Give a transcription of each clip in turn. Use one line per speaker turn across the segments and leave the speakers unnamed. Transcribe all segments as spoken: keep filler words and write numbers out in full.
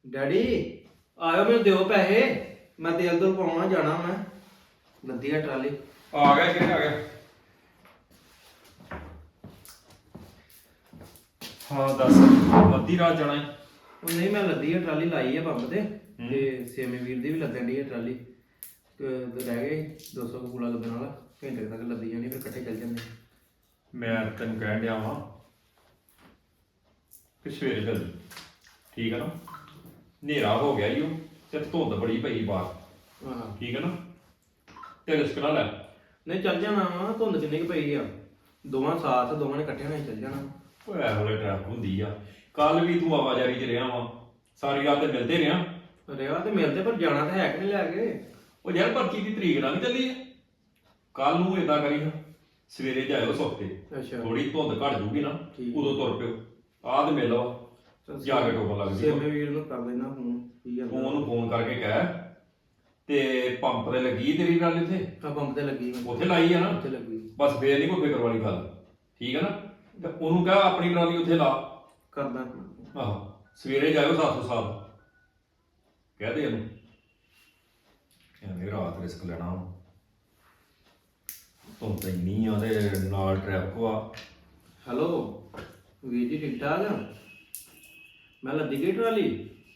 Daddy ਆਇਓ ਮੈਨੂੰ ਦਿਓ ਪੈਸੇ ਮੈਂ ਤੇਲ ਤੋਂ ਪਾਉਣਾ ਜਾਣਾ ਮੈਂ ਲੱਦੀ ਆ ਟਰਾਲੀ
ਆ ਗਿਆ ਕਿਹਨੇ ਆ ਗਿਆ। ਹਾਂ ਦੱਸ ਅੱਧੀ ਰਾਤ ਜਾਣਾ ਹੈ।
ਉਹ ਨਹੀਂ ਮੈਂ ਲੱਦੀ ਆ ਟਰਾਲੀ ਲਾਈ ਆ ਪੰਪ ਤੇ ਤੇ ਸੇਮੇ ਵੀਰ ਦੀ ਵੀ ਲੱਗਣ ਦੀ ਆ ਟਰਾਲੀ ਤੇ ਰਹਿ ਗਏ ਦੋ ਸੌ ਕੂਲਾ ਲੱਗਣ ਵਾਲਾ ਘੰਟੇ ਤੱਕ ਲੱਦੀ ਜਾਣੀ ਫਿਰ ਇਕੱਠੇ ਚੱਲ ਜਾਂਦੇ।
ਮੈਂ ਤੈਨੂੰ ਕਹਿਣ ਡਿਆ ਵਾਂ ਕਿ ਸਵੇਰੇ ਚੱਲ ਠੀਕ ਹੈ ਨਾ। ਹਨੇਰਾ ਹੋ ਗਿਆ ਈ ਉਹ ਤੇ ਧੁੰਦ ਬੜੀ ਪਈ ਬਾਹਰ
ਹਾਂ
ਠੀਕ ਹੈ ਨਾ ਤੇ ਰਿਸਕ ਨਾ ਲੈ।
ਨਹੀਂ ਚੱਲ ਜਾਣਾ ਵਾ ਧੁੰਦ ਕਿੰਨੀ ਕੁ ਪਈ ਆ ਦੋਵਾਂ ਸਾਥ ਦੋਵਾਂ ਨੇ ਇਕੱਠੇ ਨਾਲ ਚੱਲ ਜਾਣਾ।
ਉਹ ਐ ਵੇਲੇ ਟ੍ਰੈਫਿਕ ਹੁੰਦੀ ਆ। ਕੱਲ ਵੀ ਤੂੰ ਆਵਾਜਾਰੀ 'ਚ ਰਿਹਾ ਵਾਂ ਸਾਰੀ ਰਾਤ ਤੇ ਮਿਲਦੇ ਰਿਹਾ।
ਰਿਹਾ ਤੇ ਮਿਲਦੇ ਪਰ ਜਾਣਾ ਤਾਂ ਹੈ ਕਿ ਨਹੀਂ ਲੈ ਕੇ।
ਉਹ ਯਾਰ ਪਰਚੀ ਦੀ ਤਰੀਕ ਨਾਲ ਵੀ ਚੱਲੀ ਹੈ। ਕੱਲ ਨੂੰ ਏਦਾਂ ਕਰੀ ਨਾ ਸਵੇਰੇ ਜਾਇਓ ਸੁੱਤੇ
ਅੱਛਾ
ਥੋੜੀ ਧੁੰਦ ਘਟ ਜੂਗੀ ਨਾ
ਠੀਕ।
ਉਦੋਂ ਤੁਰ ਪਿਓ ਆਹ ਤੇ ਮਿਲ ਵਾ ਜਾ ਕੇ ਟੋਕਨ ਲੱਗ
ਸੇਮੇ
ਜੀ।
ਵੀਰ ਨੂੰ ਕਰ ਲੈਣਾ ਫੋਨ ਕੀ
ਤੂੰ
ਜਾਂਦਾ
ਉਹਨੂੰ ਫੋਨ ਕਰਕੇ ਕਹਿ ਤੇ ਪੰਪ ਤੇ ਲੱਗੀ ਤੇਰੀ ਗੱਲ ਇੱਥੇ
ਆ ਪੰਪ ਤੇ ਲੱਗੀ ਮੈਂ
ਉੱਥੇ ਲਾਈ ਆ ਨਾ
ਉੱਥੇ ਲੱਗੀ
ਬਸ ਫੇਰ ਨਹੀਂ ਕੋਈ ਫਿਕਰ ਵਾਲੀ ਗੱਲ ਠੀਕ ਹੈ ਨਾ। ਤੇ ਉਹਨੂੰ ਕਹਿ ਆਪਣੀ ਟਰਾਲੀ ਉੱਥੇ ਲਾ।
ਕਰਦਾ
ਆਹੋ ਸਵੇਰੇ ਜਾਇਓ ਸੱਤ ਸੌ ਸਾਲ ਕਹਿ ਦੇ ਇਹਨੂੰ ਐਵੇਂ ਰਾਤ ਰਿਸਕ ਲੈਣਾ ਵਾ। ਤੂੰ ਤਾਂ ਇੰਨੀ ਆ ਤੇ ਨਾਲ ਟ੍ਰੈਫਿਕ ਆ।
ਹੈਲੋ ਵੀਰ ਜੀ ਠੀਕ ਠਾਕ ਮੈਂ ਲੱਦੀ ਗਈ ਟਰਾਲੀ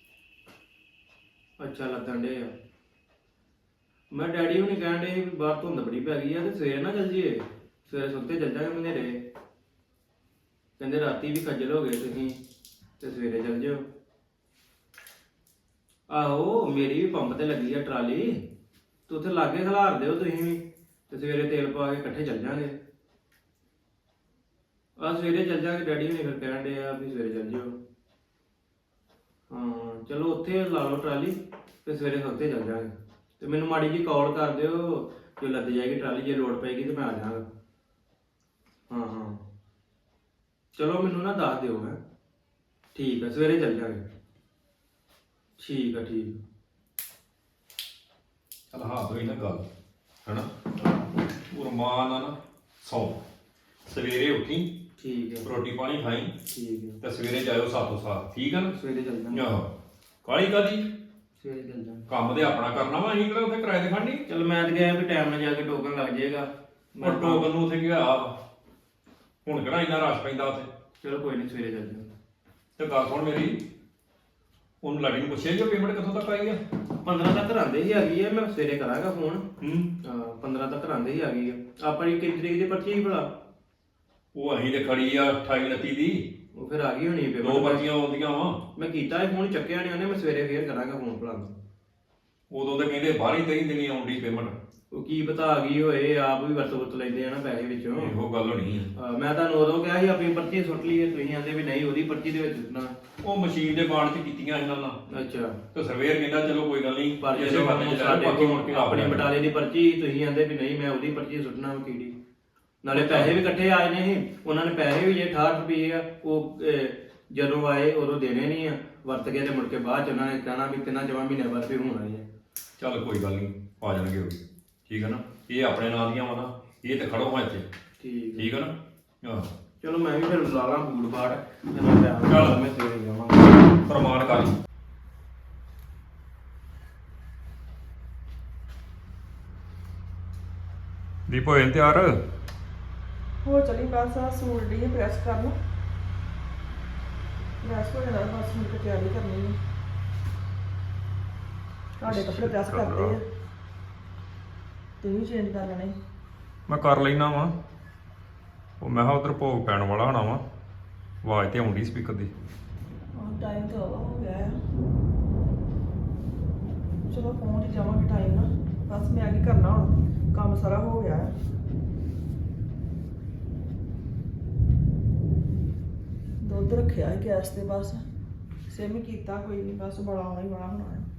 ਅੱਛਾ ਲੱਦਣ ਡੇ ਆ ਮੈਂ ਡੈਡੀ ਹੁਣੀ ਕਹਿਣ ਡੇ ਵੀ ਬਾਹਰ ਧੁੰਦ ਬੜੀ ਪੈ ਗਈ ਆ ਤੇ ਸਵੇਰੇ ਨਾ ਚੱਲ ਜੀਏ ਸਵੇਰੇ ਸੁੱਤੇ ਚੱਲ ਜਾਗੇ ਹਨੇਰੇ ਕਹਿੰਦੇ ਰਾਤੀ ਵੀ ਖੱਜਲ ਹੋ ਗਏ ਤੁਸੀਂ ਤੇ ਸਵੇਰੇ ਚੱਲ ਜਿਓ। ਆਹੋ ਮੇਰੀ ਵੀ ਪੰਪ ਤੇ ਲੱਗੀ ਆ ਟਰਾਲੀ ਤੇ ਉੱਥੇ ਲਾਗੇ ਖਿਲਾਰ ਦਿਓ ਤੁਸੀਂ ਵੀ ਤੇ ਸਵੇਰੇ ਤੇਲ ਪਾ ਕੇ ਇਕੱਠੇ ਚੱਲ ਜਾਾਂਗੇ। ਆ ਸਵੇਰੇ ਚੱਲ ਜਾਾਂਗੇ ਡੈਡੀ ਹੁਣੀ ਫਿਰ ਕਹਿਣ ਡੇ ਆ ਵੀ ਸਵੇਰੇ ਚੱਲ ਜਿਓ। ਹਾਂ ਚਲੋ ਉੱਥੇ ਲਾ ਲਓ ਟਰਾਲੀ ਤੇ ਸਵੇਰੇ ਸੁੱਤੇ ਚੱਲ ਜਾਾਂਗੇ ਤੇ ਮੈਨੂੰ ਮਾੜੀ ਜੀ ਕਾਲ ਕਰ ਦਿਓ ਜੇ ਲੱਦ ਜਾਏਗੀ ਟਰਾਲੀ ਜੇ ਲੋੜ ਪਏਗੀ ਤੇ ਮੈਂ ਆ ਜਾਵਾਂਗਾ। ਹਾਂ ਹਾਂ ਚਲੋ ਮੈਨੂੰ ਨਾ ਦੱਸ ਦਿਓ ਹੈ ਠੀਕ ਹੈ ਸਵੇਰੇ ਚੱਲ ਜਾਾਂਗੇ ਠੀਕ ਆ ਠੀਕ
ਚੱਲ ਹਾਂ ਹੋਈ ਨਾ ਗੱਲ ਹੈਨਾ ਉਹ ਰਮਾਨ ਆ ਨਾ ਸੌ ਸਵੇਰੇ ਉੱਠੀ
ਠੀਕ ਹੈ
ਰੋਟੀ ਪਾਣੀ ਖਾਈ
ਠੀਕ ਹੈ
ਤੇ ਸਵੇਰੇ ਜਾਇਓ ਸੱਤ ਸਾਤ ਠੀਕ ਆ ਨਾ।
ਸਵੇਰੇ ਚੱਲ ਜਾਾਂਗੇ
ਆਹੋ ਕਾਹਲੀ ਕਾਦੀ
ਸਵੇਰੇ ਚੱਲ ਜਾਾਂਗੇ
ਕੰਮ ਤੇ ਆਪਣਾ ਕਰਨਾ ਵਾ ਅਸੀਂ ਕਿਹੜਾ ਉੱਥੇ ਕਿਰਾਏ ਤੇ ਖੜਨੀ।
ਚਲ ਮੈਂ ਤਾਂ ਗਿਆ ਵੀ ਟਾਈਮ ਨਾਲ ਜਾ ਕੇ ਟੋਕਨ ਲੱਗ ਜਾਏਗਾ
ਉਹ ਟੋਕਨ ਨੂੰ ਉੱਥੇ ਗਿਆ ਹੁਣ ਕਿਹੜਾ ਇੰਨਾ ਰਸ਼ ਪੈਂਦਾ ਉੱਥੇ।
ਚਲੋ ਕੋਈ ਨਹੀਂ ਸਵੇਰੇ ਚੱਲ ਜਾਾਂਗੇ।
ਤੇ ਗੱਲ ਸੁਣ ਮੇਰੀ ਉਹਨੂੰ ਲਾਡੀ ਨੂੰ ਪੁੱਛਿਆ ਜੀ ਪੇਮੈਂਟ ਕਿੱਥੋਂ ਤੱਕ ਆਈ ਆ।
ਪੰਦਰਾਂ ਤੱਕ ਆਂਦੇ ਹੀ ਆ ਗਈ ਹੈ ਮੈਂ ਸਵੇਰੇ ਕਰਾਂਗਾ ਫੋਨ।
ਹੂੰ
ਹਾਂ ਪੰਦਰਾਂ ਤੱਕ ਆਂਦੇ ਹੀ ਆ ਗਈ ਆ ਆਪਣੀ ਕਿੰਨੀ ਤਰੀਕ ਦੀ ਪਰਚੀ ਸੀ ਭਲਾ
ਉਹ ਅਸੀਂ ਤੇ ਖੜੀ ਆ ਅਠਾਈ ਉਨੱਤੀ ਦੀ
ਉਹ ਫਿਰ ਆ ਗਈ ਹੋਣੀ
ਦੋ
ਪੇਮੈਂਟ
ਪਰਚੀਆਂ ਆਉਂਦੀਆਂ ਵਾ।
ਮੈਂ ਕੀਤਾ ਇਹ ਫੋਨ ਚੱਕਿਆ ਨਹੀਂ ਉਹਨੇ ਮੈਂ ਸਵੇਰੇ ਫੇਰ ਕਰਾਂਗਾ ਫੋਨ ਭਲਾ
ਉਦੋਂ ਤਾਂ ਕਹਿੰਦੇ ਬਾਹਰ ਹੀ ਤੇਈ ਦਿਨੀ ਆਉਂਦੀ ਪੇਮੈਂਟ।
ਉਹ ਕੀ ਪਤਾ ਆ ਗਈ ਹੋਏ ਆਪ ਵੀ ਵਰਤ ਵਰਤ ਲੈਂਦੇ ਆ ਨਾ ਪੈਸੇ ਵਿੱਚੋਂ।
ਇਹੋ ਗੱਲ ਹੋਣੀ ਆ।
ਹਾਂ, ਮੈਂ ਤੁਹਾਨੂੰ ਉਦੋਂ ਕਿਹਾ ਸੀ ਆਪਣੀ ਪਰਚੀ ਸੁੱਟ ਲਈਏ ਤੁਸੀਂ ਆਂਦੇ ਵੀ ਨਹੀਂ ਉਹਦੀ ਪਰਚੀ ਦੇ ਵਿੱਚ ਸੁੱਟਣਾ।
ਉਹ ਮਸ਼ੀਨ ਦੇ ਬਾਣ ਚ ਕੀਤੀਆਂ ਇਹਨਾਂ ਨਾਲ
ਅੱਛਾ
ਤੇ ਸਰਵੇਅਰ ਕਹਿੰਦਾ ਚਲੋ ਕੋਈ ਗੱਲ ਨਹੀਂ
ਪਰ
ਇਸੇ
ਜਦੋਂ
ਬੰਦੇ ਚ
ਸਾਡੇ
ਬਾਕੀ ਮੁੜ ਕੇ
ਆਪਣੀ
ਆਪਣੇ
ਬਟਾਲੇ ਦੀ ਪਰਚੀ ਤੁਸੀਂ ਆਂਦੇ ਵੀ ਨਹੀਂ ਮੈਂ ਉਹਦੀ ਪਰਚੀ ਸੁੱਟਣਾ ਵਾ ਕੀੜੀ ਨਾਲੇ ਪੈਸੇ ਵੀ ਇਕੱਠੇ ਆਏ ਨੇ ਇਹ ਉਹਨਾਂ ਨੇ ਪੈਸੇ ਵੀ ਜੇ ਅਠਾਹਠ ਰੁਪਏ ਆ ਉਹ ਅਹ, ਜਦੋਂ ਆਏ ਉਦੋਂ ਦੇਣੇ ਨਹੀਂ ਆ ਵਰਤ ਕੇ ਤੇ ਮੁੜ ਕੇ ਬਾਅਦ ਚ ਉਹਨਾਂ ਨੇ ਕਹਿਣਾ ਵੀ ਤਿੰਨਾਂ ਚਵਾਂ ਮਹੀਨੇ ਬਾਅਦ ਫਿਰ ਹੋਣਾ ਹੀ ਆ।
ਚੱਲ ਕੋਈ ਗੱਲ ਨਹੀਂ ਆ ਜਾਣਗੇ ਉਹ ਵੀ ਠੀਕ ਹੈ ਨਾ। ਇਹ ਆਪਣੇ ਨਾਂ ਦੀਆਂ ਵਾ ਨਾ ਇਹ ਤੇ ਖੜੋ ਹਾਂ ਇੱਥੇ
ਠੀਕ
ਠੀਕ ਹੈ ਨਾ। ਆਹ
ਚਲੋ ਮੈਂ ਵੀ ਫਿਰ ਲਾ ਲਾਂ ਬੂਟ ਬਾਟ ਤੇ ਮੈਂ ਟਾਈਮ
ਚੱਲ।
ਮੈਂ ਸਵੇਰੇ ਜਾਵਾਂਗਾ।
ਪ੍ਰਮਾਣ ਕਰ ਦੀਪ ਹੋਏ ਤਿਆਰ।
ਹੋਰ ਚਲੀ ਬਸ ਆ ਸੂਟ ਦੀ ਪ੍ਰੈਸ ਕਰ ਲਓ ਪ੍ਰੈਸ ਹੋ ਜਾਣਾ ਬਸ ਹੁਣ ਤੇ ਤਿਆਰੀ ਕਰਨੀ ਹੈ। ਤੁਹਾਡੇ ਕੱਪੜੇ ਪ੍ਰੈਸ ਕਰਦੇ ਆ ਤੇ ਵੀ ਚੇਂਜ ਕਰ ਲੈਣੇ।
ਮੈਂ ਕਰ ਲੈਣਾ ਵਾ ਉਹ ਮੈਂ ਕਿਹਾ ਉਧਰ ਭੋਗ ਪੈਣ ਵਾਲਾ ਹੋਣਾ ਵਾ ਆਵਾਜ਼ ਤੇ ਆਉਂਦੀ ਸਪੀਕਰ ਦੀ।
ਆਹ ਟਾਈਮ ਤਾਂ ਆਵਾ ਹੋ ਗਿਆ ਆ ਚਲੋ ਪਹੁੰਚ ਹੀ ਜਾਵਾਂਗੇ ਟਾਈਮ ਨਾਲ। ਬਸ ਮੈਂ ਕੀ ਕਰਨਾ ਹੁਣ ਕੰਮ ਸਾਰਾ ਹੋ ਗਿਆ ਹੈ। ਦੁੱਧ ਰੱਖਿਆ ਹੈ ਗੈਸ ਤੇ ਬਸ ਸੇਮੀ ਕੀਤਾ ਕੋਈ ਨਹੀਂ ਬਸ ਬੜਾ ਆਉਣਾ ਹੀ ਬੜਾ ਹੋਣਾ ਹੈ।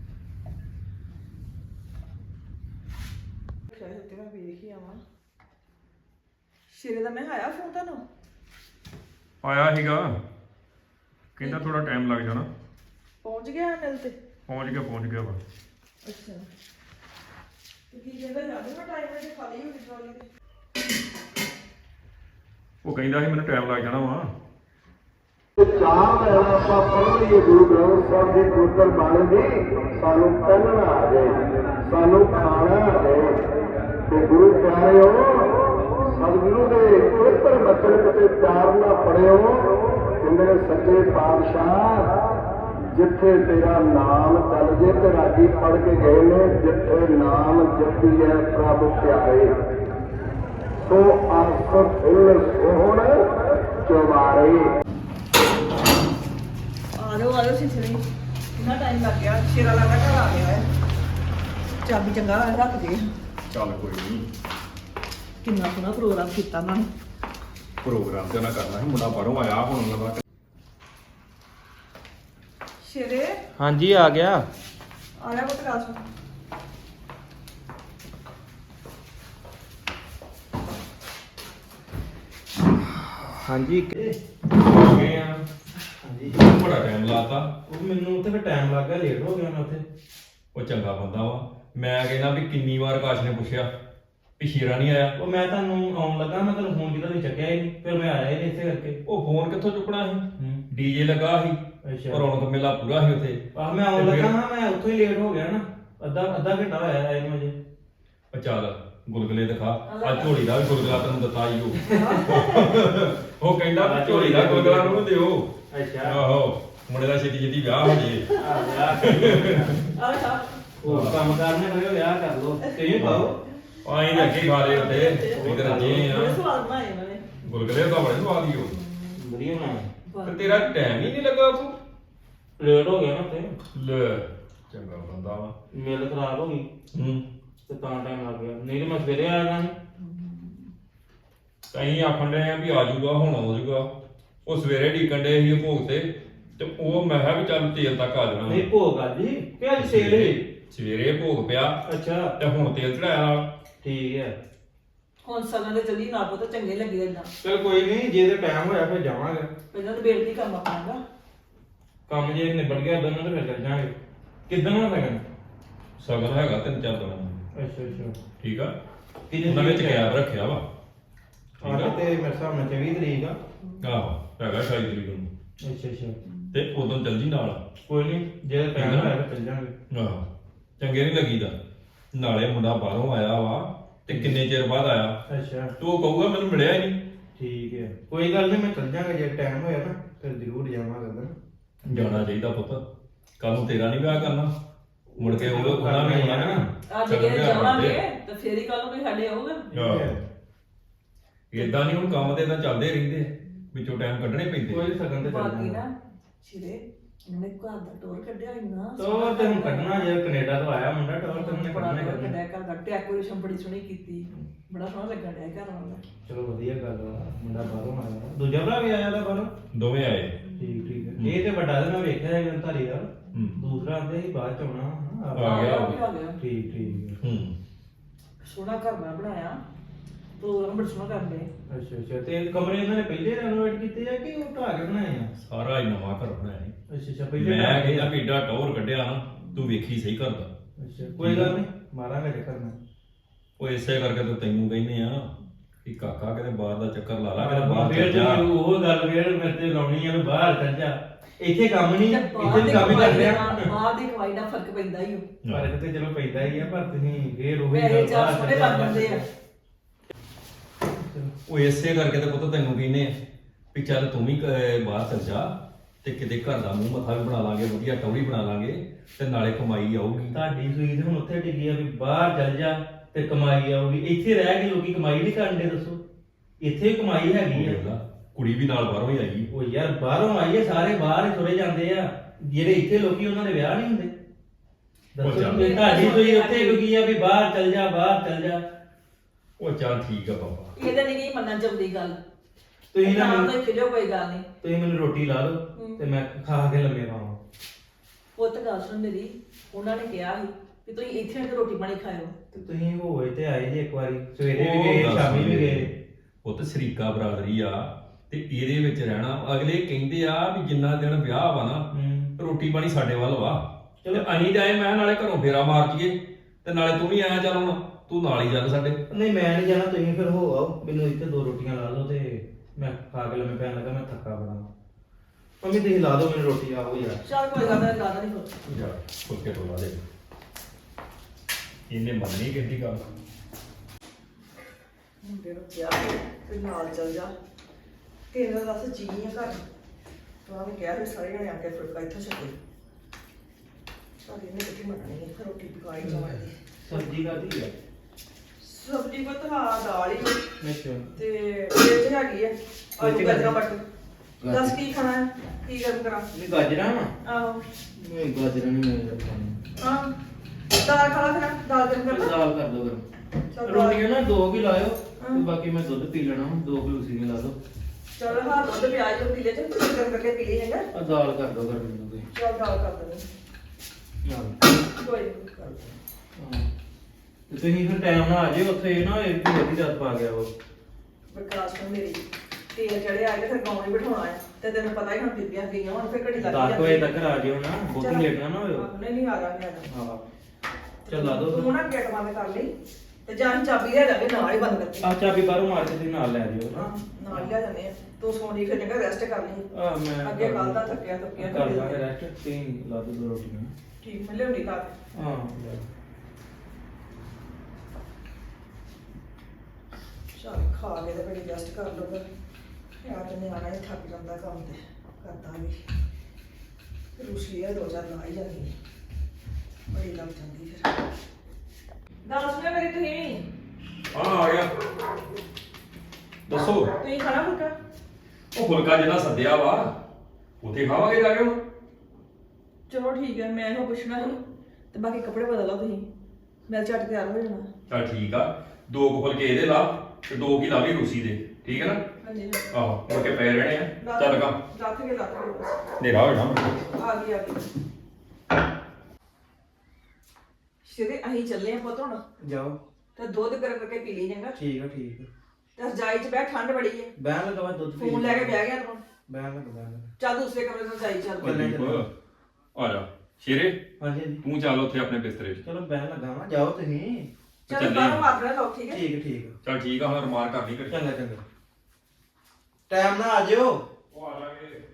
ਸ਼ਾਇਦ ਤੇ ਮੈਂ ਵੇਖ ਹੀ ਆਵਾਂ ਸ਼ੇਰੇ ਦਾ ਮੈਂ ਆਇਆ ਫੋਨ ਤੁਹਾਨੂੰ
ਆਇਆ ਸੀਗਾ ਕਹਿੰਦਾ ਥੋੜਾ ਟਾਈਮ ਲੱਗ ਜਾਣਾ।
ਪਹੁੰਚ ਗਿਆ ਮਿਲ ਤੇ
ਪਹੁੰਚ ਗਿਆ ਪਹੁੰਚ ਗਿਆ ਵਾ।
ਅੱਛਾ ਤੇ ਕੀ ਕਹਿੰਦਾ ਜਾਂਦੇ ਮੈਂ ਟਾਈਮ ਨਾਲ ਖਾਲੀ ਹੋ ਗਈ ਟਰਾਲੀ ਤੇ
ਉਹ ਕਹਿੰਦਾ ਸੀ ਮੈਨੂੰ ਟਾਈਮ ਲੱਗ ਜਾਣਾ ਵਾ।
ਚਾਹ ਲੈਣਾ ਆਪਾਂ ਪੜ੍ਹ ਲਈਏ ਗੁਰੂ ਗ੍ਰੰਥ ਸਾਹਿਬ ਦੀ ਪਵਿੱਤਰ ਬਾਣੀ ਦੀ, ਸਾਨੂੰ ਪਹਿਨਣਾ ਆ ਜਾਏ, ਸਾਨੂੰ ਖਾਣਾ ਆ ਜਾਏ। ਤੇ ਗੁਰੂ ਪਿਆਰਿਓ, ਸਤਿਗੁਰੂ ਦੇ ਪਵਿੱਤਰ ਬਚਨ ਕਿਤੇ ਪਿਆਰ ਨਾਲ ਪੜਿਓ। ਕਹਿੰਦੇ ਨੇ ਸੱਚੇ ਪਾਤਸ਼ਾਹ, ਜਿੱਥੇ ਤੇਰਾ ਨਾਮ ਚੱਲ ਜੇ, ਤੇ ਰਾਗੀ ਪੜ੍ਹ ਕੇ ਗਏ ਨੇ, ਜਿੱਥੇ ਨਾਮ ਜਪੀ ਹੈ ਪ੍ਰਭ ਪਿਆਰੇ, ਸੋ ਆਸ ਫੁੱਲ ਸੋਹਣ ਚਵਾਰੇ।
ਆ ਜਾਓ ਆ ਜਾਓ ਸਿਸਰੀ, ਕਿੰਨਾ ਟਾਈਮ ਲੱਗ ਗਿਆ, ਸ਼ੇਰਾ ਲੱਗਾ ਘਰ ਆ ਗਿਆ ਹੈ। ਚਾਬੀ ਚੰਗਾ ਰੱਖ ਦੇ।
ਚੱਲ ਕੋਈ ਨਹੀਂ,
ਕਿੰਨਾ ਸੋਹਣਾ ਪ੍ਰੋਗਰਾਮ ਕੀਤਾ ਉਹਨਾਂ ਨੇ।
ਪ੍ਰੋਗਰਾਮ ਤੇ ਨਾ ਕਰਨਾ ਸੀ, ਮੁੰਡਾ ਬਾਹਰੋਂ ਆਇਆ ਹੁਣ ਉਹਨਾਂ ਦਾ।
ਸ਼ੇਰੇ
ਹਾਂਜੀ ਆ ਗਿਆ।
ਆ ਜਾ ਪੁੱਤ ਕਾਸ।
ਹਾਂਜੀ
ਆ ਗਏ ਆ,
ਹਾਂਜੀ
ਬੜਾ ਟਾਈਮ ਲਾਤਾ।
ਉਹ ਮੈਨੂੰ ਉੱਥੇ ਫਿਰ ਟਾਈਮ ਲੱਗ ਗਿਆ, ਲੇਟ ਹੋ ਗਿਆ ਮੈਂ ਉੱਥੇ।
ਉਹ ਚੰਗਾ ਬੰਦਾ ਵਾ, ਮੈਂ ਕਹਿੰਦਾ ਵੀ ਕਿੰਨੀ ਵਾਰ ਕਾਸ਼ ਨੇ ਪੁੱਛਿਆ ਵੀ ਸ਼ੇਰਾ ਨਹੀਂ ਆਇਆ।
ਉਹ ਮੈਂ ਤੁਹਾਨੂੰ ਆਉਣ ਲੱਗਾ, ਮੈਂ ਤੁਹਾਨੂੰ ਫੋਨ ਕੀਤਾ, ਤੁਸੀਂ ਚੱਕਿਆ ਹੀ ਨਹੀਂ, ਫਿਰ ਮੈਂ ਆਇਆ ਹੀ ਨਹੀਂ ਇਸੇ ਕਰਕੇ।
ਉਹ ਫੋਨ ਕਿੱਥੋਂ ਚੁੱਕਣਾ ਸੀ,
ਹੂੰ
ਡੀਜੇ ਲੱਗਾ ਸੀ,
ਅੱਛਾ
ਰੌਣਕ ਮੇਲਾ ਪੂਰਾ ਸੀ ਉੱਥੇ।
ਆਹ ਮੈਂ ਆਉਣ ਲੱਗਾ ਹਾਂ, ਮੈਂ ਉੱਥੋਂ ਹੀ ਲੇਟ ਹੋ ਗਿਆ ਨਾ, ਅੱਧਾ ਅੱਧਾ ਘੰਟਾ ਹੋਇਆ ਆਏ ਨੂੰ ਅਜੇ।
ਉਹ ਚੱਲ ਗੁਲਗੁਲੇ ਦਿਖਾ, ਆ ਝੋਲੀ ਦਾ ਵੀ ਗੁਲਗੁਲਾ ਤੈਨੂੰ ਦਿੱਤਾ ਹੀ ਉਹ। ਉਹ ਕਹਿੰਦਾ ਵੀ ਝੋਲੀ ਦਾ ਗੁਲਗੁਲਾ ਨੂੰ ਦਿਓ।
ਅੱਛਾ
ਆਹੋ, ਮੁੰਡੇ ਦਾ ਛੇਤੀ ਛੇਤੀ ਵਿਆਹ ਹੋ ਜੇ।
ਆ ਵਿਆਹ
ਆ ਜਾ
ਉਹ ਕੰਮ ਕਰਨੇ ਹੋਏ ਵਿਆਹ ਕਰ ਲੋ, ਤੁਸੀਂ ਖਾਓ।
ਆਈ ਦੇ ਅੱਗੇ ਖਾ ਲਏ ਉੱਤੇ, ਇਧਰ ਜੇ
ਬੜੇ
ਆ
ਸਵਾਦ ਬਣਾਏ ਇਹਨਾਂ ਨੇ।
ਗੁਲਗੁਲੇ ਤਾਂ ਬੜੇ ਸਵਾਦ ਹੀ ਹੋ।
ਵਧੀਆ ਨਾ
ਤੇ ਤੇਰਾ ਟਾਈਮ ਹੀ ਨਹੀਂ ਲੱਗਾ ਤੂੰ।
ਲੇਟ ਹੋ ਗਿਆ ਨਾ ਤੇ
ਲੈ ਚੰਗਾ ਬੰਦਾ ਵਾ।
ਮੇਲ ਖਰਾਬ ਹੋ ਗਈ
ਹੂੰ,
ਤੇ ਤਾਂ ਟਾਈਮ ਲੱਗ ਗਿਆ, ਨਹੀਂ ਤੇ ਮੈਂ ਸਵੇਰੇ ਆ ਜਾਣਾ ਸੀ।
ਕਹੀਂ ਆਖਣ ਡਏ ਆ ਵੀ ਆ ਜਾਊਗਾ, ਹੁਣ ਆ ਜਾਊਗਾ। ਉਹ ਸਵੇਰੇ ਢੀਕਣ ਡਏ ਸੀ ਭੋਗ ਤੇ, ਤੇ ਉਹ ਮੈਂ ਕਿਹਾ ਵੀ ਚੱਲ ਤੇਲ ਤੱਕ ਆ ਜਾਣਾ।
ਨਹੀਂ ਭੋਗ ਆ ਜੀ ਕਿ ਅੱਜ ਸੇਲ ਹੈ।
ਸਵੇਰੇ ਭੋਗ ਪਿਆ
ਅੱਛਾ
ਤੇ ਹੁਣ ਤੇਲ ਚੜਾਇਆ ਨਾਲ।
ਠੀਕ ਹੈ,
ਹੁਣ ਸਗਨ ਦੇ ਚੱਲੀ ਨਾ ਪੁੱਤ, ਚੰਗੇ ਲੱਗੇ ਇਦਾਂ।
ਚਲ ਕੋਈ ਨਹੀਂ, ਜੇ ਤੇ ਟਾਈਮ ਹੋਇਆ ਫਿਰ ਜਾਵਾਂਗੇ।
ਪਹਿਲਾਂ ਤਾਂ ਬੇੜਤੀ ਕੰਮ ਆਪਣਾਗਾ।
ਕੰਮ ਜੇ ਨਿਬੜ ਗਿਆ ਦੋਨੋਂ ਤੇ ਫਿਰ ਚੱਲ ਜਾਾਂਗੇ। ਕਿੱਦਣ ਹੋਣਾ ਲੱਗਣਾ?
ਸਗਨ ਹੈਗਾ ਤਿੰਨ ਚਾਰ ਦਿਨਾਂ ਦਾ।
ਅੱਛਾ ਅੱਛਾ
ਠੀਕ ਆ,
ਕਿੰਨੇ
ਉਹਨਾਂ ਵਿੱਚ
ਤਰੀਕ
ਗੈਪ ਰੱਖਿਆ ਵਾ। ਠੀਕ
ਅੱਜ
ਆ,
ਤੇ ਮੇਰੇ ਹਿਸਾਬ ਨਾਲ ਚੌਵੀ ਤਰੀਕ ਆ।
ਆਹੋ ਹੈਗਾ ਅਠਾਈ ਤਰੀਕ ਨੂੰ।
ਅੱਛਾ ਅੱਛਾ
ਤੇ ਉਦੋਂ ਚੱਲ ਜੀ ਨਾਲ।
ਕੋਈ ਨਹੀਂ, ਜੇ ਟਾਈਮ ਹੋਇਆ ਫਿਰ ਚੱਲ ਜਾਾਂਗੇ।
ਆਹੋ ਚੰਗੇ ਨਹੀਂ ਲੱਗੀਦਾ। ਨਾਲੇ ਮੁੰਡਾ ਬਾਹਰੋਂ ਆਇਆ ਵਾ ਤੇ ਕਿੰਨੇ ਚਿਰ ਬਾਅਦ ਆਇਆ,
ਅੱਛਾ
ਤੇ ਉਹ ਕਹੂਗਾ ਮੈਨੂੰ ਮਿਲਿਆ ਹੀ ਨਹੀਂ।
ਠੀਕ ਹੈ, ਕੋਈ ਗੱਲ ਨਹੀਂ, ਮੈਂ ਚੱਲ ਜਾਾਂਗਾ ਜੇ ਟਾਈਮ ਹੋਇਆ ਨਾ, ਫਿਰ ਜ਼ਰੂਰ ਜਾਵਾਂਗਾ ਉਧਰ।
ਜਾਣਾ ਚਾਹੀਦਾ ਪੁੱਤ, ਕੱਲ ਨੂੰ ਤੇਰਾ ਨਹੀਂ ਵਿਆਹ ਕਰਨਾ, ਮੁੜ ਕੇ ਉਹ ਉਹਨਾਂ ਵੀ ਆਉਣਾ ਨਾ।
ਅੱਜ ਜੇ ਜਾਵਾਂਗੇ ਤਾਂ ਫੇਰ ਹੀ ਕੱਲ ਨੂੰ ਕੋਈ ਸਾਡੇ ਆਊਗਾ।
ਇਦਾਂ ਨਹੀਂ, ਹੁਣ ਕੰਮ ਤੇ ਤਾਂ ਚੱਲਦੇ ਰਹਿੰਦੇ ਆ, ਵਿੱਚੋਂ ਟਾਈਮ ਕੱਢਣੇ ਪੈਂਦੇ।
ਕੋਈ ਸਗਨ ਤੇ ਚੱਲ
ਬਾਕੀ
ਜਾਣਾ।
ਨਾ ਸ਼ਿਰੇ ਉਹਨੇ ਘਰ ਦਾ ਟੋਰ ਕੱਢਿਆ ਇੰਨਾ
ਤੋ ਤੇ ਹੁਣ ਕੱਢਣਾ, ਜੇ ਕੈਨੇਡਾ ਤੋਂ ਆਇਆ ਮੁੰਡਾ ਟੌਰ ਤੇ ਉਹਨੇ ਕੱਢਣਾ ਹੀ ਕੱਢਣਾ।
ਕੱਢਿਆ ਘਰ ਦਾ ਡੈਕੋਰੇਸ਼ਨ ਬੜੀ ਸੋਹਣੀ ਕੀਤੀ, ਬੜਾ ਸੋਹਣਾ ਲੱਗਣ ਡਿਆ ਘਰ ਵਾਲਾ।
ਚਲੋ ਵਧੀਆ ਗੱਲ ਆ, ਮੁੰਡਾ ਬਾਹਰੋਂ ਆਇਆ। ਦੂਜਾ ਭਰਾ ਵੀ ਆਇਆ ਦਾ ਬਾਹਰੋਂ?
ਦੋਵੇਂ ਆਏ।
ਠੀਕ ਠੀਕ ਹੈ, ਇਹ ਤੇ ਵੱਡਾ ਤੇ ਮੈਂ ਵੇਖਿਆ ਹੈ ਧਾਰੀ ਦਾ।
ਹੂੰ।
ਦੂਸਰਾ ਆਂਦੇ ਸੀ ਬਾਅਦ ਚ ਆਉਣਾ।
ਆ ਗਿਆ ਉਹ ਵੀ।
ਆ ਗਿਆ।
ਠੀਕ ਠੀਕ ਹੈ।
ਹੂੰ,
ਸੋਹਣਾ ਘਰ ਮੈਂ ਬਣਾਇਆ, ਪ੍ਰੋਗਰਾਮ ਬੜਾ ਸੋਹਣਾ ਕਰਦੇ।
ਅੱਛਾ ਅੱਛਾ, ਤੇ ਕਮਰੇ ਇਹਨਾਂ ਨੇ ਪਹਿਲੇ ਰੈਨੋਵੇਟ ਕੀਤੇ ਆ ਕਿ ਉਹ ਢਾਹ ਕੇ ਬਣਾਏ ਆ?
ਸਾਰਾ ਹੀ ਨਵਾਂ ਘਰ ਬਣਾਇਆ ਸੀ।
ਅੱਛਾ ਅੱਛਾ, ਪਹਿਲੇ
ਮੈਂ
ਢਾਹ ਕੇ।
ਕਹਿੰਦਾ ਵੀ ਏਡਾ ਟੌਰ ਕੱਢਿਆ ਨਾ, ਤੂੰ ਵੇਖੀ ਸਹੀ ਕਰਦਾ।
ਅੱਛਾ ਕੋਈ ਗੱਲ ਨਹੀਂ, ਮਾਰਾਂਗੇ ਚੱਕਰ ਮੈਂ।
ਉਹ ਇਸੇ ਕਰਕੇ ਤਾਂ ਤੈਨੂੰ ਕਹਿੰਦੇ ਆ ਕਿ ਕਾਕਾ ਕਿਤੇ ਬਾਹਰ ਦਾ ਚੱਕਰ ਲਾ ਲਾ, ਕਿਤੇ ਬਾਹਰ
ਫੇਰ
ਚੱਲ ਜਾ।
ਤੂੰ ਉਹ ਗੱਲ ਫੇਰ ਮੇਰੇ ਤੇ ਲਾਉਣੀ ਆ ਵੀ ਬਾਹਰ ਚੱਲ ਜਾ। ਇੱਥੇ ਕੰਮ ਨਹੀਂ,
ਤੇ
ਇੱਥੇ
ਬਾਹਰ
ਵੀ
ਦੀ
ਕੰਮ ਹੀ
ਕਮਾਈ
ਕਰਦੇ ਆ।
ਨਾਲ- ਬਾਹਰ ਦੀ ਕਮਾਈ ਨਾਲ ਫਰਕ ਪੈਂਦਾ ਹੀ ਉਹ।
ਪਰ ਤੇ ਚਲੋ ਪੈਂਦਾ ਹੀ ਆ, ਪਰ ਤੁਸੀਂ ਫੇਰ ਉਹ
ਪੈਸੇ ਚਾਰ ਸੋਹਣੇ ਲੱਗ ਜਾਂਦੇ ਆ।
ਉਹ ਇਸੇ ਕਰਕੇ ਤਾਂ ਪੁੱਤ ਤੈਨੂੰ ਕਹਿੰਦੇ ਆ ਵੀ ਚੱਲ ਤੂੰ ਵੀ ਕ- ਬਾਹਰ ਚੱਲ ਜਾ, ਤੇ ਕਿਤੇ ਘਰ ਦਾ ਮੂੰਹ ਮੱਥਾ ਵੀ ਬਣਾ ਲਾਂਗੇ, ਵਧੀਆ ਟੌੜੀ ਬਣਾ ਲਾਂਗੇ, ਤੇ ਨਾਲੇ ਕਮਾਈ ਆਊਗੀ।
ਤੁਹਾਡੀ ਸੂਈ ਤੇ ਹੁਣ ਉੱਥੇ ਟਿਕੀ ਆ ਵੀ ਬਾਹਰ ਚੱਲ ਜਾ ਤੇ ਕਮਾਈ ਆਊਗੀ। ਇੱਥੇ ਰਹਿ ਕੇ ਲੋਕੀ ਕਮਾਈ ਨਹੀਂ ਕਰਦੇ, ਦੱਸੋ? ਇੱਥੇ ਵੀ ਕਮਾਈ ਹੈਗੀ
ਦੇਖ ਲਾ,
ਆ।
ਕੁੜੀ ਵੀ ਨਾਲ ਬਾਹਰੋਂ ਹੀ ਆਈ।
ਉਹ ਯਾਰ ਬਾਹਰੋਂ ਆਈਏ, ਸਾਰੇ ਬਾਹਰ ਹੀ ਤੁਰੇ ਜਾਂਦੇ ਆ। ਜਿਹੜੇ ਇੱਥੇ ਲੋਕੀ ਉਹਨਾਂ ਦੇ ਵਿਆਹ ਨਹੀਂ ਹੁੰਦੇ। ਦੱਸੋ
ਚੱਲ।
ਵੀ ਤੁਹਾਡੀ ਸੂਈ ਉੱਥੇ ਟਿਕੀ ਆ ਵੀ ਬਾਹਰ ਚੱਲ ਜਾ, ਬਾਹਰ ਚੱਲ ਜਾ।
ਉਹ ਚੱਲ ਠੀਕ ਆ ਬਾਬਾ।
ਇਹਦੇ ਨਹੀਂ ਗਈ ਮੰਨਣ ਚਾਹੁੰਦੀ ਗੱਲ।
ਤੁਸੀਂ ਨਾ
ਨਾ
ਮੈਨੂੰ-
ਤਾਂ ਖਿਜੋ ਕੋਈ ਗੱਲ ਨਹੀਂ।
ਤੁਸੀਂ ਮੈਨੂੰ ਰੋਟੀ ਲਾ ਦਿਓ
ਹੂੰ।
ਤੇ ਮੈਂ ਖਾ ਕੇ ਲੰਮੇ ਪਾਵਾਂ।
ਪੁੱਤ ਗੱਲ ਸੁਣ ਮੇਰੀ, ਉਹਨਾਂ ਨੇ ਕਿਹਾ ਸੀ ਕਿ ਤੁਸੀਂ ਇੱਥੇ ਆ ਕੇ ਰੋਟੀ ਪਾਣੀ ਖਾਇਓ।
ਤੇ ਤੁਸੀਂ ਹੋਏ ਤੇ ਆਏ ਜੇ ਇੱਕ ਵਾਰੀ, ਸਵੇਰੇ ਵੀ
ਉਹ
ਗਏ
ਗੱਲ
ਸ਼ਾਮੀ ਵੀ
ਸੁਣ
ਗਏ।
ਉਹ ਤਾਂ ਸ਼ਰੀਕਾ ਬਰਾਦਰੀ ਆ, ਤੇ ਇਹਦੇ ਵਿੱਚ ਰਹਿਣਾ। ਅਗਲੇ ਕਹਿੰਦੇ ਆ ਵੀ ਜਿੰਨਾ ਦਿਨ ਵਿਆਹ ਵਾ ਨਾ,
ਹੂੰ।
ਰੋਟੀ ਪਾਣੀ ਸਾਡੇ ਵੱਲ ਵਾ। ਚਲੋ ਅਸੀਂ ਜਾਏ, ਮੈਂ ਨਾਲੇ ਘਰੋਂ ਫੇਰਾ ਮਾਰ ਜੀਏ, ਤੇ ਨਾਲੇ ਤੂੰ ਵੀ ਆਇਆ, ਚੱਲ ਹੁਣ ਤੂੰ ਨਾਲ ਹੀ ਚੱਲ ਸਾਡੇ।
ਨਹੀਂ ਮੈਂ ਨਹੀਂ ਜਾਣਾ, ਤੁਸੀਂ ਫਿਰ ਹੋ ਆਓ। ਮੈਨੂੰ ਇੱਥੇ ਦੋ ਰੋਟੀਆਂ ਲਾ ਦਿਓ ਤੇ ਮੈਂ ਖਾ ਕੇ ਲੰਮੇ ਪੈਣ ਲੱਗਾ, ਮੈਂ ਥੱਕਾ ਬੜਾ। ਮੰਮੀ ਤੁਸੀਂ ਲਾ ਦਿਓ ਮੈਨੂੰ ਰੋਟੀ ਆਓ ਯਾਰ।
ਚੱਲ ਕੋਈ ਗੱਲ ਨਹੀਂ, ਲਾਦਾ ਨਹੀਂ ਕੋਈ।
ਜਾ ਫੁਲਕੇ ਤੋਂ ਲਾ ਦੇ ਇਹਨੇ ਮੰਨੀ ਕਿਹਦੀ ਗੱਲ
ਮੁੰਡੇ ਨੂੰ ਕਿਹਾ ਤੇ ਨਾਲ ਚੱਲ ਜਾ ਤੇਰਾ ਦੱਸ ਜੀ ਆ ਘਰ ਤੂੰ ਆਵੇਂ ਕਿਹਾ ਵੀ ਸਾਰੇ ਜਣੇ ਆ ਕੇ ਫੁਲਕਾ ਇੱਥੋਂ ਛਕੇ ਸਾਡੀ ਨੇ ਕਿੱਥੇ ਮੰਨਣੀ ਹੈ ਰੋਟੀ ਪਕਾਈ ਜਾਵਾਂਗੇ।
ਸਬਜ਼ੀ ਕਾਹਦੀ ਹੈ?
ਸਬਜ਼ੀ ਬਤਾ ਦਾਲ ਹੀ
ਅੱਛਾ।
ਤੇ ਇਹ ਚ ਹੈਗੀ ਹੈ ਆਲੂ ਗਾਜਰਾਂ ਮਟਰ। ਦੱਸ ਕੀ ਖਾਣਾ ਹੈ, ਕੀ ਗਰਮ ਕਰਾਂ?
ਨਹੀਂ ਗਾਜਰਾਂ ਵਾ?
ਆਹੋ
ਨਹੀਂ ਗਾਜਰਾਂ ਨਹੀਂ ਮੈਂ ਰੱਖਾਂ।
ਹਾਂ ਦਾਲ ਖਾ ਲਾ ਫਿਰ ਦਾਲ ਗਰਮ ਕਰ ਲਾ।
ਦਾਲ ਕਰ ਦੋ ਗਰਮ।
ਚੱਲ ਦਾਲ-
ਰੋਟੀਆਂ ਨਾ ਦੋ ਕੀ ਲਾਇਓ
ਹਾਂ।
ਤੇ ਬਾਕੀ ਮੈਂ ਦੁੱਧ ਪੀ ਲੈਣਾ ਦੋ ਕਿਲੋ ਸੀਗੇ ਲਾ ਦੋ।
ਚੱਲ ਹਾਂ ਦੁੱਧ ਪਿਆਜ਼ ਨੂੰ ਪੀ ਲੈ ਤੇ ਗਰਮ ਕਰਕੇ ਪੀ ਲਈ ਹੈਗਾ।
ਆ ਦਾਲ ਕਰ ਦੋ ਗਰਮ ਮੈਨੂੰ ਕੋਈ।
ਚੱਲ ਦਾਲ ਕਰ ਦਿੰਦੇ
ਹਾਂ।
ਕੋਈ ਨੀ, ਕਰ ਦਿੰਦੇ।
ਹਾਂ। ਤੇ ਤੁਸੀਂ ਫਿਰ ਟਾਈਮ ਨਾਲ ਆ ਜਿਓ ਉੱਥੇ ਨਾ ਇੱਕ ਵੱਡੀ ਰਾਤ ਪਾ ਗਿਆ ਉਹ।
ਵਿਕਾਸ ਨੂੰ ਮੇਰੀ ਤੇਲ ਚੜਿਆ ਤੇ ਫਿਰ ਗਾਉਂ ਨਹੀਂ ਬਿਠਾਉਣਾ ਆ ਤੇ ਤੈਨੂੰ ਪਤਾ ਹੀ ਹੁਣ ਬੀਬੀਆਂ ਗਈਆਂ ਹੁਣ ਫਿਰ ਘੜੀ ਲੱਗ
ਦਸ ਵਜੇ ਤੱਕ ਆ ਜਿਓ ਨਾ ਬਹੁਤ
ਚੱਲ।
ਲੇਟ ਨਾ ਨਾ ਹੋਇਓ।
ਆਹੋ, ਨਹੀਂ ਨਹੀਂ ਆ ਜਾਣਗੇ ਆ ਜਾਣਗੇ।
ਹਾਂ। ਚੱਲ ਲਾ ਦੋ।
ਤੂੰ ਨਾ ਗੇਟ ਬੰਦ ਕਰ ਲਈ ਤੇ ਜਾਂ ਅਸੀਂ ਚਾਬੀ ਲੈ ਜਾਵੇ ਨਾਲ ਹੀ ਬੰਦ ਕਰਕੇ।
ਆ ਚਾਬੀ ਬਾਹਰੋਂ ਮਾਰ ਕੇ ਤੁਸੀਂ ਨਾਲ ਲੈ ਜਿਓ
ਹਾਂ ਨਾਲ ਹੀ ਲੈ ਜਾਂਦੇ ਆ ਤੂੰ ਸੋਣੀ ਫਿਰ ਜਗ੍ਹਾ ਰੈਸਟ ਕਰ ਲਈ।
ਆ ਮੈਂ
ਅੱਗੇ ਕੱਲ ਦਾ ਥੱਕਿਆ ਥੱਕਿਆ
ਕਰ ਲਾਂਗੇ ਰੈਸਟ ਤੁਸੀਂ ਲਾ ਦੋ ਦੋ ਰੋਟੀਆਂ।
ਠੀਕ ਮੈਂ ਲਿਆਉਣੀ ਖਾ ਕੇ।
ਹਾਂ ਲੈ।
ਚੱਲ ਖਾ ਕੇ ਤੇ ਬੜੀ ਰੈਸਟ ਕਰ ਲਊਗਾ ਯਾਰ ਤੇ ਨਿਆਣਾ ਹੀ ਥੱਕ ਜਾਂਦਾ ਕੰਮ ਤੇ ਕਰਦਾ ਵੀ ਰੂਸੀ ਆ ਦੋ ਚਾਰ ਲਾ ਹੀ ਜਾਂਦੀ ਬੜੀ ਲੱਗ ਜਾਂਦੀ ਫਿਰ। ਗੱਲ ਸੁਣਿਆ ਮੇਰੀ ਤੁਸੀਂ
ਹਾਂ ਆ ਗਿਆ ਦੱਸੋ
ਤੁਸੀਂ ਖਾਣਾ ਫੁਲਕਾ?
ਉਹ ਫੁਲਕਾ ਜਿਹੜਾ ਸੱਦਿਆ ਵਾ ਉੱਥੇ ਖਾਵਾਂਗੇ ਜਾ ਕੇ ਹੁਣ
ਚਲੋ ਠੀਕ ਹੈ ਮੈਂ ਇਹੋ ਪੁੱਛਣਾ ਸੀ ਤੇ ਬਾਕੀ ਕੱਪੜੇ ਬਦਲ ਲਓ ਤੁਸੀਂ ਮੈਂ ਝੱਟ ਤਿਆਰ ਹੋ ਜਾਣਾ।
ਚੱਲ ਠੀਕ ਆ ਦੋ ਕੁ ਫੁਲਕੇ ਇਹਦੇ ਲਾ ਤੇ ਦੋ ਕੀ ਲਾ ਲਈ ਰੂਸੀ ਦੇ ਠੀਕ ਹੈ ਨਾ
ਹਾਂਜੀ
ਆਹੋ ਮੁੜ ਕੇ ਪਏ ਰਹਿਣੇ ਆ ਚੱਲ ਕੰਮ
ਲੱਥ ਕੇ ਲੱਥ ਕੇ ਬਸ
ਹਨੇਰਾ ਹੋ ਜਾਣਾ
ਆ ਗਈ ਆ ਗਈ। ਸ਼ਿਰੇ ਅਸੀਂ ਚੱਲੇ ਆ ਪੁੱਤ ਹੁਣ
ਜਾਓ।
ਤੇ ਦੁੱਧ ਗਰਮ ਕਰਕੇ ਪੀ ਲਈ ਜਾਂਗਾ
ਠੀਕ ਆ ਠੀਕ ਆ।
ਤੇ ਰਜਾਈ 'ਚ ਬਹਿ ਠੰਡ ਬੜੀ ਹੈ
ਬਹਿਣ ਲੱਗਾ ਮੈਂ ਦੁੱਧ ਪੀ
ਫੋਨ ਲੈ ਕੇ ਬਹਿ ਗਿਆ ਤੂੰ
ਬਹਿਣ ਲੱਗਾ ਬਹਿਣ ਲੱਗਾ।
ਚੱਲ ਦੂਸਰੇ ਕਮਰੇ 'ਚ ਰਜਾਈ ਚੱਲ
ਚੱਲ।
ਦੀਪ, ਆ ਜਾ ਸ਼ੇਰੇ
ਹਾਂਜੀ ਹਾਂਜੀ।
ਤੂੰ ਚੱਲ ਉੱਥੇ ਆਪਣੇ ਬਿਸਤਰੇ 'ਚ
ਚਲੋ ਬਹਿਣ ਲੱਗਾ ਵਾਂ ਜਾਓ ਤੁਸੀਂ।
ਚੱਲ
ਚੱਲੇ
ਬਾਹਰ
ਆ।
ਮਾਰਨਾ ਲਓ ਠੀਕ ਹੈ।
ਠੀਕ ਆ, ਠੀਕ ਆ।
ਚੱਲ ਠੀਕ ਆ ਹੁਣ ਰਮਾਨ ਕਰਨੀ ਕਰ
ਚੰਗਾ ਚੰਗਾ ਟਾਈਮ ਨਾਲ ਆ ਜਿਓ।
ਉਹ ਆ ਜਾਗੇ